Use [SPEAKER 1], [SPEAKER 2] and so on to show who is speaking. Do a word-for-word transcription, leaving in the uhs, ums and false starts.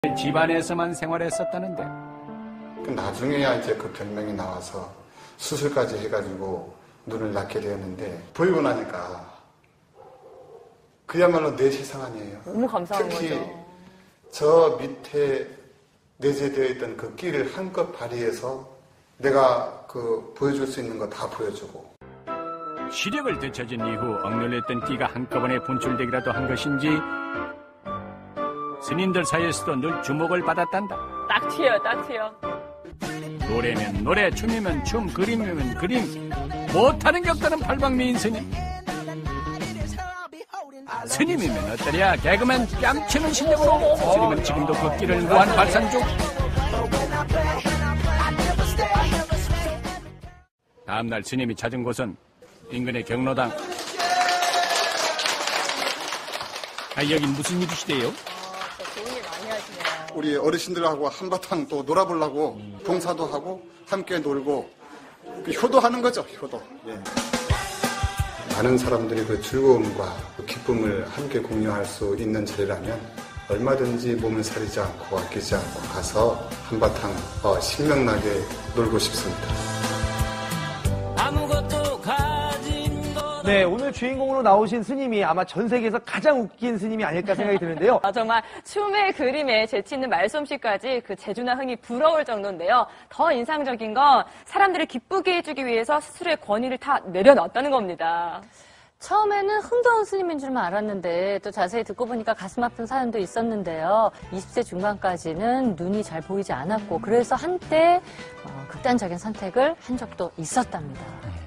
[SPEAKER 1] 집안에서만 생활했었다는데
[SPEAKER 2] 나중에야 이제 그 병명이 나와서 수술까지 해가지고 눈을 낳게 되었는데 보이고 나니까 그야말로 내 세상 아니에요.
[SPEAKER 3] 너무 감사한
[SPEAKER 2] 특히
[SPEAKER 3] 거죠.
[SPEAKER 2] 저 밑에 내재되어 있던 그 끼를 한껏 발휘해서 내가 그 보여줄 수 있는 거 다 보여주고.
[SPEAKER 1] 시력을 되찾은 이후 억눌렸던 끼가 한꺼번에 분출되기라도 한 것인지 스님들 사이에서도 늘 주목을 받았단다.
[SPEAKER 3] 딱 튀어요, 딱 튀어.
[SPEAKER 1] 노래면 노래, 춤이면 춤, 그림이면 그림, 못하는 게 없다는 팔방미인 스님. 스님이면 어떠랴? 개그맨 뺨치는 실력으로 스님은 지금도 그 끼를 무한 발산 중. 다음날 스님이 찾은 곳은 인근의 경로당. 아, 여긴 무슨 일이시대요?
[SPEAKER 3] 좋은 일 많이 하시네요.
[SPEAKER 2] 우리 어르신들하고 한바탕 또 놀아보려고 봉사도 하고 함께 놀고 효도하는 거죠, 효도. 예. 많은 사람들이 그 즐거움과 그 기쁨을 함께 공유할 수 있는 자리라면 얼마든지 몸을 사리지 않고 아끼지 않고 가서 한바탕 어, 신명나게 놀고 싶습니다.
[SPEAKER 4] 네, 오늘 주인공으로 나오신 스님이 아마 전 세계에서 가장 웃긴 스님이 아닐까 생각이 드는데요.
[SPEAKER 3] 아, 정말 춤에 그림에 재치 있는 말솜씨까지 그 재주나 흥이 부러울 정도인데요. 더 인상적인 건 사람들을 기쁘게 해주기 위해서 스스로의 권위를 다 내려놨다는 겁니다.
[SPEAKER 5] 처음에는 흥겨운 스님인 줄만 알았는데 또 자세히 듣고 보니까 가슴 아픈 사연도 있었는데요. 이십 세 중반까지는 눈이 잘 보이지 않았고 그래서 한때 어, 극단적인 선택을 한 적도 있었답니다.